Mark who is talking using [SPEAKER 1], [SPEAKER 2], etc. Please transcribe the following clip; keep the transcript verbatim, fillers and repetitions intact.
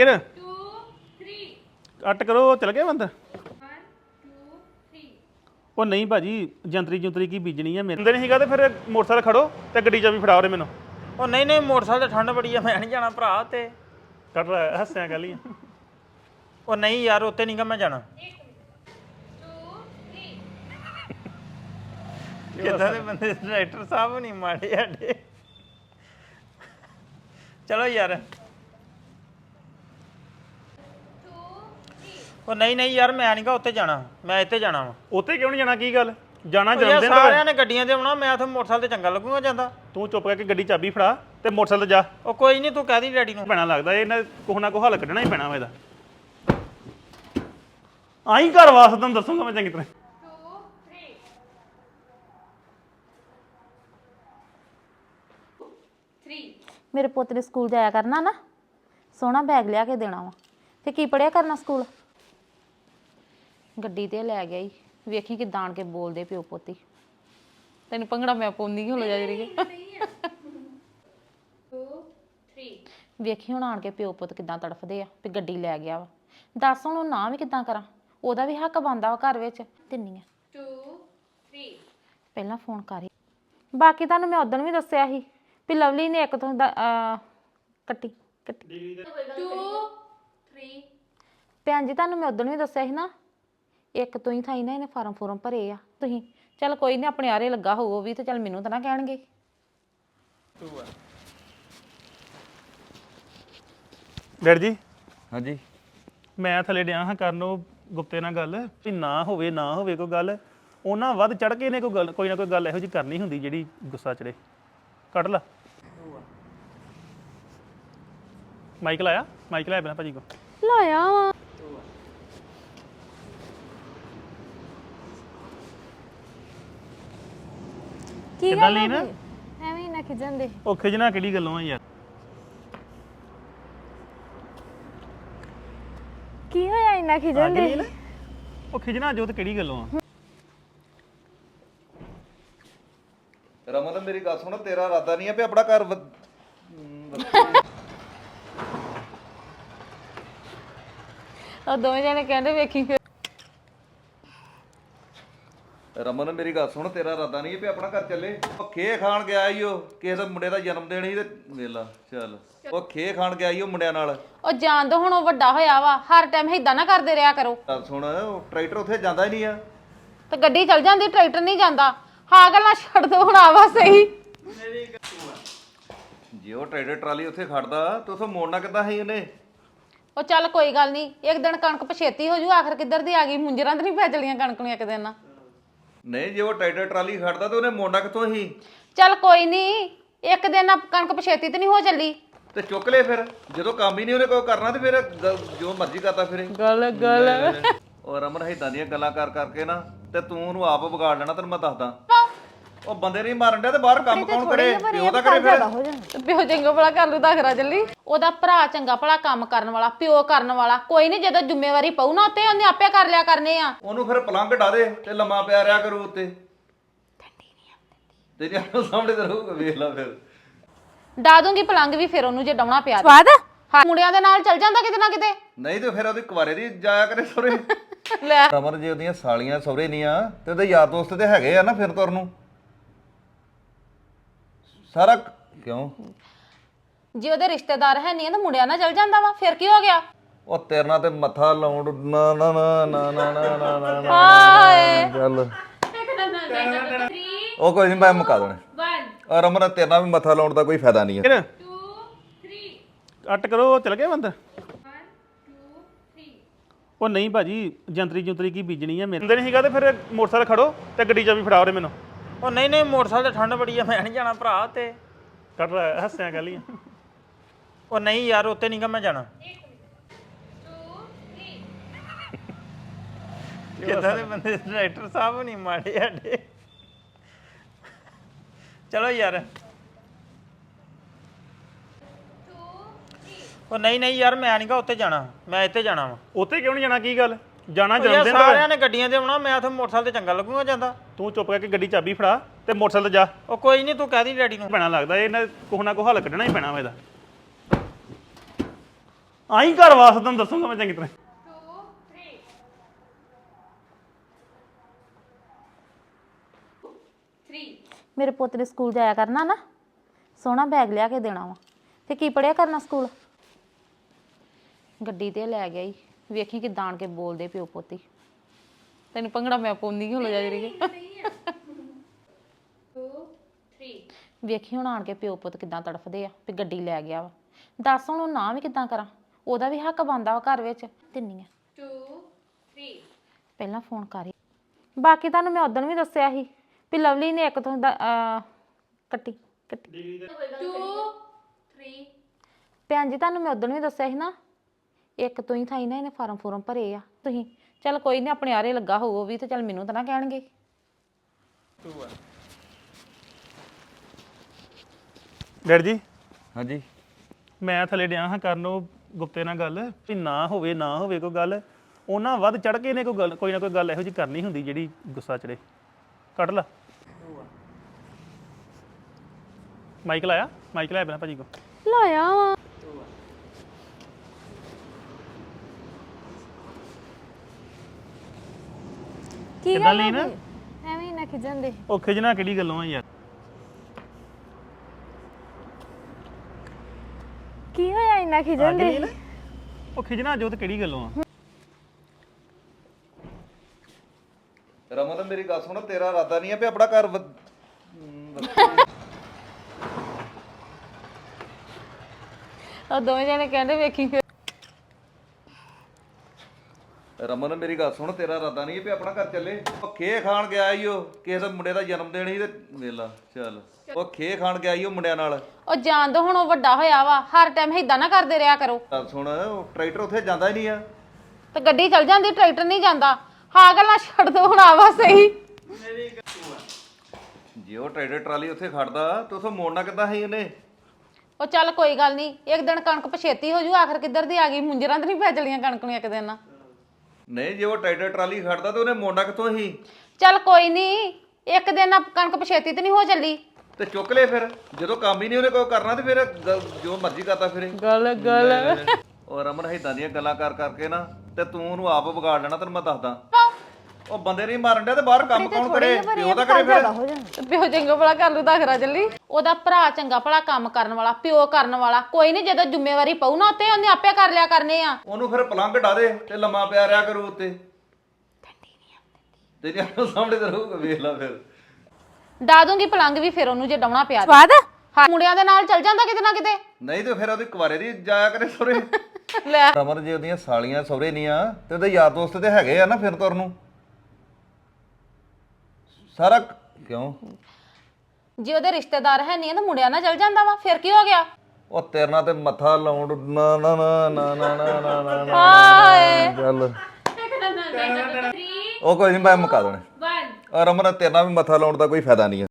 [SPEAKER 1] ਫਿਰ ਕੱਟ ਕਰੋ ਚਲ ਗਿਆ ਬੰਦਾ ਉਹ ਨਹੀਂ ਭਾਜੀ ਜੰਤਰੀ ਜੁੰਤਰੀ ਕੀ ਬੀਜਣੀ ਆ ਮੇਰੇ ਨਹੀਂ ਸੀਗਾ ਤੇ ਫਿਰ ਮੋਟਰਸਾਈਕਲ ਖੜੋ ਤੇ ਗੱਡੀ ਚਾਬੀ ਫੜਾਓ ਰੇ ਮੈਨੂੰ
[SPEAKER 2] ਉਹ ਨਹੀਂ ਨਹੀਂ ਮੋਟਰਸਾਈਕਲ ਤੇ ਠੰਡ ਬੜੀ ਆ ਮੈਂ ਨਹੀਂ ਜਾਣਾ ਭਰਾ ਤੇ
[SPEAKER 1] ਕੱਟ ਰਿਹਾ ਹੱਸਿਆ ਗੱਲ ਹੀ
[SPEAKER 2] ਉਹ ਨਹੀਂ ਯਾਰ ਉੱਤੇ ਨਹੀਂਗਾ ਮੈਂ ਜਾਣਾ ਕਿੱਦਾਂ ਦੇ ਬੰਦੇ ਡਾਇਰੈਕਟਰ ਸਾਹਿਬ ਨਹੀਂ ਮਾੜੇ ਸਾਡੇ ਚਲੋ ਯਾਰ ਉਹ ਨਹੀਂ ਨਹੀਂ ਯਾਰ ਮੈਂ ਨਹੀਂਗਾ ਉੱਤੇ ਜਾਣਾ ਮੈਂ ਇੱਥੇ ਜਾਣਾ ਵਾ
[SPEAKER 1] ਉੱਥੇ ਕਿਉਂ ਨਹੀਂ ਜਾਣਾ ਕੀ ਗੱਲ ਜਾਣਾ
[SPEAKER 2] ਯਾਰ
[SPEAKER 1] ਜਨਮ ਦਿਨ
[SPEAKER 2] ਸਾਰਿਆਂ ਨੇ ਗੱਡੀਆਂ ਤੇ ਆਉਣਾ ਮੈਂ ਉੱਥੇ ਮੋਟਰਸਾਈਕਲ ਤੇ ਚੰਗਾ ਲੱਗੂਗਾ ਜਾਂਦਾ
[SPEAKER 1] ਤੂੰ ਚੁੱਪ ਕਰਕੇ ਗੱਡੀ ਚਾਬੀ ਫੜਾ ਤੇ ਮੋਟਰਸਾਈਕਲ ਤੇ ਜਾ
[SPEAKER 2] ਉਹ ਕੋਈ ਨਹੀਂ ਤੂੰ ਕਹਿ ਦੀ ਡੈਡੀ ਨੂੰ
[SPEAKER 1] ਪੈਣਾ ਲੱਗਦਾ ਇਹ ਕੋਹ ਨਾ ਕੋਹ ਹੱਲ ਕੱਢਣਾ ਹੀ ਪੈਣਾ ਵਾ ਇਹਦਾ ਆਈ ਘਰ ਵਾਸਤੇ ਤੁਹਾਨੂੰ ਦੱਸੂਗਾ ਮੈਂ ਚੰਗੀ ਤਰ੍ਹਾਂ
[SPEAKER 3] ਮੇਰੇ ਪੁੱਤ ਨੇ ਸਕੂਲ ਜਾਇਆ ਕਰਨਾ ਨਾ ਸੋਹਣਾ ਬੈਗ ਲਿਆ ਕੇ ਦੇਣਾ ਵਾ ਤੇ ਕੀ ਪੜਿਆ ਕਰਨਾ ਸਕੂਲ ਗੱਡੀ ਤੇ ਲੈ ਗਿਆ ਈ ਵੇਖੀ ਕਿਦਾਂ ਆਣ ਕੇ ਬੋਲਦੇ ਪਿਓ ਪੋਤੀ ਤੈਨੂੰ ਭੰਗੜਾ ਮੈਂ ਪਾਉਂਦੀ ਹੋ ਜਾ ਜਰੀ ਵੇਖੀ ਹੁਣ ਆਣ ਕੇ ਪਿਓ ਪੁੱਤ ਕਿਦਾਂ ਤੜਫਦੇ ਆ ਵੀ ਗੱਡੀ ਲੈ ਗਿਆ ਵਾ ਦੱਸ ਹੁਣ ਨਾ ਵੀ ਕਿਦਾਂ ਕਰਾਂ ਉਹਦਾ ਵੀ ਹੱਕ ਬਣਦਾ ਵਾ ਘਰ ਵਿੱਚ ਤਿੰਨੀ ਆ ਪਹਿਲਾਂ ਫੋਨ ਕਰ ਬਾਕੀ ਤੁਹਾਨੂੰ ਮੈਂ ਉਦੋਂ ਵੀ ਦੱਸਿਆ ਸੀ ਵੀ ਲਵਲੀ ਨੇ ਇੱਕ ਤੋਂ ਕੱਟੀ ਕੱਟੀ ਭੈਣ ਜੀ ਤੁਹਾਨੂੰ ਮੈਂ ਉਦੋਂ ਵੀ ਦੱਸਿਆ ਸੀ ਨਾ ਇੱਕ ਤੋਂ ਹੀ ਥਾਈ ਨਾ ਇਹਨੇ ਫਾਰਮ ਫੋਰਮ ਭਰੇ ਆ ਤੁਸੀਂ ਚੱਲ ਕੋਈ ਨਹੀਂ ਆਪਣੇ ਆਰੇ ਲੱਗਾ ਹੋਊ ਉਹ ਵੀ ਤੇ ਚੱਲ ਮੈਨੂੰ ਤਾਂ ਨਾ ਕਹਿਣਗੇ
[SPEAKER 1] ਡੈਡ ਜੀ
[SPEAKER 4] ਹਾਂਜੀ
[SPEAKER 1] ਮੈਂ ਥੱਲੇ ਡਿਆ ਹਾਂ ਕਰਨ ਉਹ ਗੁਪਤੇ ਨਾਲ ਗੱਲ ਵੀ ਨਾ ਹੋਵੇ ਨਾ ਹੋਵੇ ਕੋਈ ਗੱਲ ਉਹਨਾਂ ਵੱਧ ਚੜ ਕੇ ਨੇ ਕੋਈ ਗੱਲ ਕੋਈ ਨਾ ਕੋਈ ਗੱਲ ਇਹੋ ਜਿਹੀ ਕਰਨੀ ਹੁੰਦੀ ਜਿਹੜੀ ਗੁੱਸਾ ਚੜੇ ਕੱਢ ਲਾ ਮਾਈਕ ਲਾਇਆ ਮਾਈਕ ਲਾਇਆ ਬਿਨਾ ਭਾਜੀ ਕੋ
[SPEAKER 3] ਲਾਇਆ ਵਾ ਕੀ ਗੱਲ
[SPEAKER 1] ਲਈ ਨਾ
[SPEAKER 3] ਐਵੇਂ ਨਾ ਖਿਜਣ ਦੇ
[SPEAKER 1] ਉਹ ਖਿਜਣਾ ਕਿਹੜੀ ਗੱਲੋਂ ਆ ਯਾਰ
[SPEAKER 3] ਕੀ ਹੋਇਆ ਇੰਨਾ ਖਿਜਣ ਦੇ
[SPEAKER 1] ਉਹ ਖਿਜਣਾ ਜੋਤ ਕਿਹੜੀ ਗੱਲੋਂ ਆ
[SPEAKER 4] ਰਮਨ ਮੇਰੀ ਗੱਲ ਸੁਣ ਤੇਰਾ ਇਰਾਦਾ ਨਹੀਂ ਹੈ ਵੀ ਆਪਣਾ ਘਰ
[SPEAKER 3] ਉਹ ਦੋਵੇਂ ਜਣੇ ਕਹਿੰਦੇ ਵੇਖੀ ਫਿਰ
[SPEAKER 4] ਰਮਨ ਮੇਰੀ ਗੱਲ ਸੁਣ ਤੇਰਾ ਇਰਾਦਾ ਨਹੀਂ ਹੈ ਵੀ ਆਪਣਾ ਘਰ ਚੱਲੇ ਉਹ ਖੇ ਖਾਣ ਗਿਆ ਈ ਉਹ ਕਿਸੇ ਦੇ ਮੁੰਡੇ ਦਾ ਜਨਮ ਦਿਨ ਸੀ ਤੇ ਵੇਲਾ ਚੱਲ ਉਹ ਖੇ ਖਾਣ ਗਿਆ ਈ ਉਹ ਮੁੰਡਿਆਂ ਨਾਲ
[SPEAKER 3] ਉਹ ਜਾਣ ਦੋ ਹੁਣ ਉਹ ਵੱਡਾ ਹੋਇਆ ਵਾ ਹਰ ਟਾਈਮ ਏਦਾਂ ਨਾ ਕਰਦੇ ਰਿਹਾ ਕਰੋ
[SPEAKER 4] ਗੱਲ ਸੁਣ ਉਹ ਟਰੈਕਟਰ ਉੱਥੇ ਜਾਂਦਾ ਹੀ ਨਹੀਂ ਆ
[SPEAKER 3] ਤੇ ਗੱਡੀ ਚੱਲ ਜਾਂਦੀ ਟਰੈਕਟਰ ਨਹੀਂ ਜਾਂਦਾ ਹਾਂ ਗੱਲਾਂ ਛੱਡ ਦੋ ਹੁਣ ਆਵਾ ਸਹੀ
[SPEAKER 4] ਜੇ ਉਹ ਟਰੈਕਟਰ ਟਰਾਲੀ ਉੱਥੇ ਖੜਦਾ ਤੇ ਉਥੋਂ ਮੋੜਨਾ ਕਿੱਦਾਂ ਸੀ ਉਹਨੇ
[SPEAKER 3] ਉਹ ਚੱਲ ਕੋਈ ਗੱਲ ਨਹੀਂ ਇੱਕ ਦਿਨ ਕਣਕ ਪਛੇਤੀ ਹੋ ਜੂ ਆਖਰ ਕਿੱਧਰ ਦੀ ਆ ਗਈ ਮੁੰਜਰਾਂ ਤੇ ਨਹੀਂ ਪੈ ਚਲੀਆਂ ਕਣਕ ਨੂੰ ਇੱਕ ਦਿਨ ਨਾ
[SPEAKER 4] ਨਹੀਂ ਜੇ ਉਹ ਟਰੈਕਟਰ ਟਰਾਲੀ ਖੜਦਾ ਤੇ ਉਹਨੇ ਮੋੜਨਾ ਕਿੱਥੋਂ ਸੀ
[SPEAKER 3] ਚੱਲ ਕੋਈ ਨਹੀਂ ਇੱਕ ਦਿਨ ਨਾ ਕਣਕ ਪਛੇਤੀ ਤੇ ਨਹੀਂ ਹੋ ਚੱਲੀ
[SPEAKER 4] ਤੇ ਚੁੱਕ ਲੈ ਫਿਰ ਜਦੋਂ ਕੰਮ ਹੀ ਨਹੀਂ ਉਹਨੇ ਕੋਈ ਕਰਨਾ ਤੇ ਫਿਰ ਗ- ਜੋ ਮਰਜ਼ੀ ਕਰਦਾ ਫਿਰੇ
[SPEAKER 3] ਗੱਲ ਗੱਲ
[SPEAKER 4] ਉਹ ਰਮਨ ਏਦਾਂ ਦੀਆਂ ਗੱਲਾਂ ਕਰ ਕਰਕੇ ਨਾ ਤੇ ਤੂੰ ਉਹਨੂੰ ਆਪ ਵਿਗਾੜ ਲੈਣਾ ਤੈਨੂੰ ਮੈਂ ਦੱਸਦਾ ਉਹ ਬੰਦੇ ਨਹੀਂ ਮਾਰਨ ਡਿਆ ਤੇ ਬਾਹਰ ਕੰਮ ਕੌਣ ਕਰੇ ਪਿਓ ਦਾ ਕਰੇ ਫਿਰ
[SPEAKER 3] ਪਿਓ ਚੰਗਾ ਭਲਾ ਕਰ ਲੂ ਦਾਖਰਾ ਚੱਲੀ ਉਹਦਾ ਭਰਾ ਚੰਗਾ ਭਲਾ ਕੰਮ ਕਰਨ ਵਾਲਾ ਪਿਓ ਕਰਨ ਵਾਲਾ ਕੋਈ ਨਹੀਂ ਜਦੋਂ ਜ਼ਿੰਮੇਵਾਰੀ ਪਊ ਨਾ ਉੱਤੇ ਉਹਨੇ ਆਪੇ ਕਰ ਲਿਆ ਕਰਨੇ ਆ
[SPEAKER 4] ਉਹਨੂੰ ਫਿਰ ਪਲੰਘ ਢਾ ਦੇ ਤੇ ਲੰਮਾ ਪਿਆ ਰਿਆ ਕਰੂ ਉੱਤੇ ਤੇਰੇ ਆਪ ਸਾਹਮਣੇ ਤੇ ਰਹੂਗਾ ਵੇਖ ਲੈ ਫਿਰ
[SPEAKER 3] ਡਾ ਦੂੰਗੀ ਪਲੰਗ ਵੀ ਫਿਰ ਉਹਨੂੰ ਜੇ ਡਾਉਣਾ ਪਿਆ ਸਵਾਦ ਹਾਂ ਮੁੰਡਿਆਂ ਦੇ ਨਾਲ ਚੱਲ ਜਾਂਦਾ ਕਿਤੇ ਨਾ ਕਿਤੇ
[SPEAKER 4] ਨਹੀਂ ਤੇ ਫਿਰ ਉਹਦੀ ਕੁਵਾਰੇ ਦੀ ਜਾਇਆ ਕਰੇ ਸਹੁਰੇ
[SPEAKER 3] ਲੈ
[SPEAKER 4] ਰਮਨ ਜੇ ਉਹਦੀਆਂ ਸਾਲੀਆਂ ਸਹੁਰੇ ਨਹੀਂ ਆ ਤੇ ਉਹਦੇ ਯਾਰ ਦੋਸਤ ਤੇ ਹੈਗੇ ਆ ਨਾ ਫਿਰ ਤੁਰ ਨੂੰ ਸਾਰਾ ਕਿਉਂ
[SPEAKER 3] ਜੇ ਉਹਦੇ ਰਿਸ਼ਤੇਦਾਰ ਹੈ ਨਹੀਂ ਤਾਂ ਮੁੰਡਿਆਂ ਨਾਲ ਚੱਲ ਜਾਂਦਾ ਵਾ ਫਿਰ ਕੀ ਹੋ ਗਿਆ
[SPEAKER 4] ਉਹ ਤੇਰੇ ਨਾਲ ਤੇ ਮੱਥਾ ਲਾਉਣ ਨਾ ਨਾ ਨਾ ਨਾ ਨਾ ਨਾ ਨਾ ਨਾ ਨਾ
[SPEAKER 3] ਹਾਏ
[SPEAKER 4] ਚੱਲ ਉਹ ਕੋਈ ਨਹੀਂ ਮੈਂ ਮੁਕਾ ਦੇਣਾ ਔਰ ਰਮਨ ਤੇਰੇ ਨਾਲ ਵੀ ਮੱਥਾ ਲਾਉਣ ਦਾ ਕੋਈ ਫਾਇਦਾ ਨਹੀਂ ਹੈ
[SPEAKER 1] ਕੱਟ ਕਰੋ ਚਲ ਗਿਆ ਬੰਦਾ ਉਹ ਨਹੀਂ ਭਾਜੀ ਜੰਤਰੀ ਜੁੰਤਰੀ ਕੀ ਬੀਜਣੀ ਆ ਮੇਰੇ ਨਹੀਂ ਸੀਗਾ ਤੇ ਫਿਰ ਮੋਟਰਸਾਈਕਲ ਖੜੋ ਤੇ ਗੱਡੀ ਚਾਬੀ ਫੜਾਓ ਰੇ ਮੈਨੂੰ
[SPEAKER 2] ਉਹ ਨਹੀਂ ਨਹੀਂ ਮੋਟਰਸਾਈਕਲ ਤੇ ਠੰਡ ਬੜੀ ਆ ਮੈਂ ਨਹੀਂ ਜਾਣਾ ਭਰਾ ਤੇ
[SPEAKER 1] ਕੱਟ ਰਿਹਾ ਹੱਸਿਆ ਗੱਲ ਹੀ
[SPEAKER 2] ਉਹ ਨਹੀਂ ਯਾਰ ਉੱਤੇ ਨਹੀਂਗਾ ਮੈਂ ਜਾਣਾ ਕਿੱਦਾਂ ਦੇ ਬੰਦੇ ਡਾਇਰੈਕਟਰ ਸਾਹਿਬ ਨਹੀਂ ਮਾੜੇ ਸਾਡੇ ਚਲੋ ਯਾਰ ਉਹ ਨਹੀਂ ਨਹੀਂ ਯਾਰ ਮੈਂ ਨਹੀਂਗਾ ਉੱਤੇ ਜਾਣਾ ਮੈਂ ਇੱਥੇ ਜਾਣਾ ਵਾ
[SPEAKER 1] ਉੱਥੇ ਕਿਉਂ ਨਹੀਂ ਜਾਣਾ ਕੀ ਗੱਲ ਜਾਣਾ
[SPEAKER 2] ਯਾਰ
[SPEAKER 1] ਜਨਮ ਦਿਨ
[SPEAKER 2] ਸਾਰਿਆਂ ਨੇ ਗੱਡੀਆਂ ਤੇ ਆਉਣਾ ਮੈਂ ਉੱਥੇ ਮੋਟਰਸਾਈਕਲ ਤੇ ਚੰਗਾ ਲੱਗੂਗਾ ਜਾਂਦਾ
[SPEAKER 1] ਤੂੰ ਚੁੱਪ ਕਰਕੇ ਗੱਡੀ ਚਾਬੀ ਫੜਾ ਤੇ ਮੋਟਰਸਾਈਕਲ ਤੇ ਜਾ
[SPEAKER 2] ਉਹ ਕੋਈ ਨਹੀਂ ਤੂੰ ਕਹਿ ਦੀ ਡੈਡੀ ਨੂੰ
[SPEAKER 1] ਪੈਣਾ ਲੱਗਦਾ ਇਹ ਕੋਹ ਨਾ ਕੋਹ ਹੱਲ ਕੱਢਣਾ ਹੀ ਪੈਣਾ ਵਾ ਇਹਦਾ ਆਈ ਘਰ ਵਾਸਤੇ ਤੁਹਾਨੂੰ ਦੱਸੂਗਾ ਮੈਂ ਚੰਗੀ ਤਰ੍ਹਾਂ
[SPEAKER 3] ਮੇਰੇ ਪੁੱਤ ਨੇ ਸਕੂਲ ਜਾਇਆ ਕਰਨਾ ਨਾ ਸੋਹਣਾ ਬੈਗ ਲਿਆ ਕੇ ਦੇਣਾ ਵਾ ਤੇ ਕੀ ਪੜਿਆ ਕਰਨਾ ਸਕੂਲ ਗੱਡੀ ਤੇ ਲੈ ਗਿਆ ਈ ਵੇਖੀ ਕਿਦਾਂ ਆਣ ਕੇ ਬੋਲਦੇ ਪਿਓ ਪੋਤੀ ਤੈਨੂੰ ਪੰਗੜਾ ਮੈਂ ਪਾਉਂਦੀ ਹੋ ਜਾ ਜਰੀ ਵੇਖੀ ਹੁਣ ਆਣ ਕੇ ਪਿਓ ਪੁੱਤ ਕਿਦਾਂ ਤੜਫਦੇ ਆ ਵੀ ਗੱਡੀ ਲੈ ਗਿਆ ਵਾ ਦੱਸ ਹੁਣ ਉਹ ਨਾ ਵੀ ਕਿਦਾਂ ਕਰਾਂ ਉਹਦਾ ਵੀ ਹੱਕ ਬਣਦਾ ਵਾ ਘਰ ਵਿੱਚ ਤਿੰਨੀ ਆ ਪਹਿਲਾਂ ਫੋਨ ਕਰੀ ਬਾਕੀ ਤੁਹਾਨੂੰ ਮੈਂ ਉਦੋਂ ਵੀ ਦੱਸਿਆ ਸੀ ਵੀ ਲਵਲੀ ਨੇ ਇੱਕ ਤੋਂ ਦਾ- ਅਹ ਕੱਟੀ ਕੱਟੀ ਭੈਣ ਜੀ ਤੁਹਾਨੂੰ ਮੈਂ ਉਦੋਂ ਵੀ ਦੱਸਿਆ ਸੀ ਨਾ ਇੱਕ ਤੋਂ ਹੀ ਥਾਈ ਨਾ ਇਹਨੇ ਫਾਰਮ ਫੋਰਮ ਭਰੇ ਆ ਤੁਸੀਂ ਚੱਲ ਕੋਈ ਨਹੀਂ ਆਪਣੇ ਆਰੇ ਲੱਗਾ ਹੋਊ ਵੀ ਤੇ ਚੱਲ ਮੈਨੂੰ ਤਾਂ ਨਾ ਕਹਿਣਗੇ
[SPEAKER 1] ਡੈਡ ਜੀ
[SPEAKER 4] ਹਾਂਜੀ
[SPEAKER 1] ਮੈਂ ਥੱਲੇ ਡਿਆ ਹਾਂ ਕਰਨ ਉਹ ਗੁਪਤੇ ਨਾਲ ਗੱਲ ਵੀ ਨਾ ਹੋਵੇ ਨਾ ਹੋਵੇ ਕੋਈ ਗੱਲ ਉਹਨਾਂ ਵੱਧ ਚੜ ਕੇ ਨੇ ਕੋਈ ਗੱਲ ਕੋਈ ਨਾ ਕੋਈ ਗੱਲ ਇਹੋ ਜਿਹੀ ਕਰਨੀ ਹੁੰਦੀ ਜਿਹੜੀ ਗੁੱਸਾ ਚੜੇ ਕੱਢ ਲਾ ਮਾਈਕ ਲਾਇਆ ਮਾਈਕ ਲਾਇਆ ਬਿਨਾ ਭਾਜੀ ਕੋ
[SPEAKER 3] ਲਾਇਆ ਵਾ ਕੀ
[SPEAKER 1] ਕਿੱਦਾਂ ਲਈ ਨਾ
[SPEAKER 3] ਐਵੇਂ ਨਾ ਖਿਜਣ ਦੇ
[SPEAKER 1] ਉਹ ਖਿਜਣਾ ਕਿਹੜੀ ਗੱਲੋਂ ਆ ਯਾਰ
[SPEAKER 3] ਕੀ ਹੋਇਆ ਇੰਨਾ ਖਿਜਣ
[SPEAKER 1] ਦੇ ਉਹ ਖਿਜਣਾ ਜੋ ਤੇ ਕਿਹੜੀ ਗੱਲੋਂ ਆ
[SPEAKER 4] ਰਮਨ ਮੇਰੀ ਗੱਲ ਸੁਣ ਤੇਰਾ ਇਰਾਦਾ ਨਹੀਂ ਹੈ ਵੀ ਆਪਣਾ ਘਰ ਵ-
[SPEAKER 3] ਉਹ ਦੋਵੇਂ ਜਣੇ ਕਹਿੰਦੇ ਵੇਖੀ ਫਿਰ
[SPEAKER 4] ਰਮਨ ਮੇਰੀ ਗੱਲ ਸੁਣ ਤੇਰਾ ਇਰਾਦਾ ਨਹੀਂ ਹੈ ਵੀ ਆਪਣਾ ਘਰ ਚੱਲੇ ਉਹ ਖੇ ਖਾਣ ਗਿਆ ਈ ਉਹ ਕਿਸੇ ਦੇ ਮੁੰਡੇ ਦਾ ਜਨਮ ਦਿਨ ਸੀ ਤੇ ਵੇਲਾ ਚੱਲ ਉਹ ਖੇ ਖਾਣ ਗਿਆ ਈ ਉਹ ਮੁੰਡਿਆਂ ਨਾਲ
[SPEAKER 3] ਉਹ ਜਾਣ ਦੋ ਹੁਣ ਉਹ ਵੱਡਾ ਹੋਇਆ ਵਾ ਹਰ ਟਾਈਮ ਏਦਾਂ ਨਾ ਕਰਦੇ ਰਿਹਾ ਕਰੋ
[SPEAKER 4] ਗੱਲ ਸੁਣ ਉਹ ਟਰੈਕਟਰ ਉੱਥੇ ਜਾਂਦਾ ਹੀ ਨਹੀਂ ਆ
[SPEAKER 3] ਤੇ ਗੱਡੀ ਚੱਲ ਜਾਂਦੀ ਟਰੈਕਟਰ ਨਹੀਂ ਜਾਂਦਾ ਹਾਂ ਗੱਲਾਂ ਛੱਡ ਦੋ ਹੁਣ ਆਵਾ ਸਹੀ
[SPEAKER 4] ਜੇ ਉਹ ਟਰੈਕਟਰ ਟਰਾਲੀ ਉੱਥੇ ਖੜਦਾ ਤੇ ਉਥੋਂ ਮੋੜਨਾ ਕਿੱਦਾਂ ਸੀ ਉਹਨੇ
[SPEAKER 3] ਉਹ ਚੱਲ ਕੋਈ ਗੱਲ ਨਹੀਂ ਇੱਕ ਦਿਨ ਕਣਕ ਪਛੇਤੀ ਹੋ ਜੂ ਆਖਰ ਕਿੱਧਰ ਦੀ ਆ ਗਈ ਮੁੰਜਰਾਂ ਤੇ ਨਹੀਂ ਪੈ ਚਲੀਆਂ ਕਣਕ ਨੂੰ ਇੱਕ ਦਿਨ ਨਾ
[SPEAKER 4] ਨਹੀਂ ਜੇ ਉਹ ਟਰੈਕਟਰ ਟਰਾਲੀ ਖੜਦਾ ਤੇ ਉਹਨੇ ਮੋੜਨਾ ਕਿੱਥੋਂ ਸੀ
[SPEAKER 3] ਚੱਲ ਕੋਈ ਨਹੀਂ ਇੱਕ ਦਿਨ ਨਾ ਕਣਕ ਪਛੇਤੀ ਤੇ ਨਹੀਂ ਹੋ ਚੱਲੀ
[SPEAKER 4] ਤੇ ਚੁੱਕ ਲੈ ਫਿਰ ਜਦੋਂ ਕੰਮ ਹੀ ਨਹੀਂ ਉਹਨੇ ਕੋਈ ਕਰਨਾ ਤੇ ਫਿਰ ਗ- ਜੋ ਮਰਜ਼ੀ ਕਰਦਾ ਫਿਰੇ
[SPEAKER 3] ਗੱਲ ਗੱਲ
[SPEAKER 4] ਉਹ ਰਮਨ ਇਦਾਂ ਦੀਆਂ ਗੱਲਾਂ ਕਰ ਕਰਕੇ ਨਾ ਤੇ ਤੂੰ ਉਹਨੂੰ ਆਪ ਵਿਗਾੜ ਲੈਣਾ ਤੈਨੂੰ ਮੈਂ ਦੱਸਦਾ ਉਹ ਬੰਦੇ ਨਹੀਂ ਮਾਰਨ ਡਿਆ ਤੇ ਬਾਹਰ ਕੰਮ ਕੌਣ ਕਰੇ ਪਿਓ ਦਾ ਕਰੇ ਫਿਰ
[SPEAKER 3] ਪਿਓ ਚੰਗਾ ਭਲਾ ਕਰ ਲੂ ਦਾਖਰਾ ਚੱਲੀ ਉਹਦਾ ਭਰਾ ਚੰਗਾ ਭਲਾ ਕੰਮ ਕਰਨ ਵਾਲਾ ਪਿਓ ਕਰਨ ਵਾਲਾ ਕੋਈ ਨਹੀਂ ਜਦੋਂ ਜ਼ਿੰਮੇਵਾਰੀ ਪਊ ਨਾ ਉੱਤੇ ਉਹਨੇ ਆਪੇ ਕਰ ਲਿਆ ਕਰਨੇ ਆ
[SPEAKER 4] ਉਹਨੂੰ ਫਿਰ ਪਲੰਘ ਢਾ ਦੇ ਤੇ ਲੰਮਾ ਪਿਆ ਰਿਆ ਕਰੂ ਉੱਤੇ ਤੇ ਜੇ ਸਾਹਮਣੇ ਤੇ ਰਹੂਗਾ ਵੇਖ ਲੈ ਫਿਰ
[SPEAKER 3] ਡਾ ਦੂੰਗੀ ਪਲੰਗ ਵੀ ਫਿਰ ਉਹਨੂੰ ਜੇ ਡਾਉਣਾ ਪਿਆ ਸਵਾਦ ਹਾਂ ਮੁੰਡਿਆਂ ਦੇ ਨਾਲ ਚੱਲ ਜਾਂਦਾ ਕਿਤੇ ਨਾ ਕਿਤੇ
[SPEAKER 4] ਨਹੀਂ ਤੇ ਫਿਰ ਉਹਦੀ ਕੁਵਾਰੇ ਦੀ ਜਾਇਆ ਕਰੇ ਸੋਰੇ
[SPEAKER 3] ਲੈ
[SPEAKER 4] ਰਮਨ ਜੇ ਉਹਦੀਆਂ ਸਾਲੀਆਂ ਸਹੁਰੇ ਨਹੀਂ ਆ ਤੇ ਉਹਦੇ ਯਾਰ ਦੋਸਤ ਤੇ ਹੈਗੇ ਆ ਨਾ ਫਿਰ ਤੁਰ ਨੂੰ ਸਾਰਾ ਕਿਉਂ
[SPEAKER 3] ਜੇ ਉਹਦੇ ਰਿਸ਼ਤੇਦਾਰ ਹੈ ਨਹੀਂ ਤਾਂ ਮੁੰਡਿਆਂ ਨਾਲ ਚੱਲ ਜਾਂਦਾ ਵਾ ਫਿਰ ਕੀ ਹੋ ਗਿਆ
[SPEAKER 4] ਉਹ ਤੇਰੇ ਨਾਲ ਤੇ ਮੱਥਾ ਲਾਉਣ ਨਾ ਨਾ ਨਾ ਨਾ ਨਾ ਨਾ ਨਾ ਨਾ ਨਾ
[SPEAKER 3] ਹਾਏ
[SPEAKER 4] ਚੱਲ ਉਹ ਕੋਈ ਨਹੀਂ ਮੈਂ ਮੁਕਾ ਦੇਣਾ ਰਮਨ ਤੇਰੇ ਨਾਲ ਵੀ ਮੱਥਾ ਲਾਉਣ ਦਾ ਕੋਈ ਫਾਇਦਾ ਨਹੀਂ ਹੈ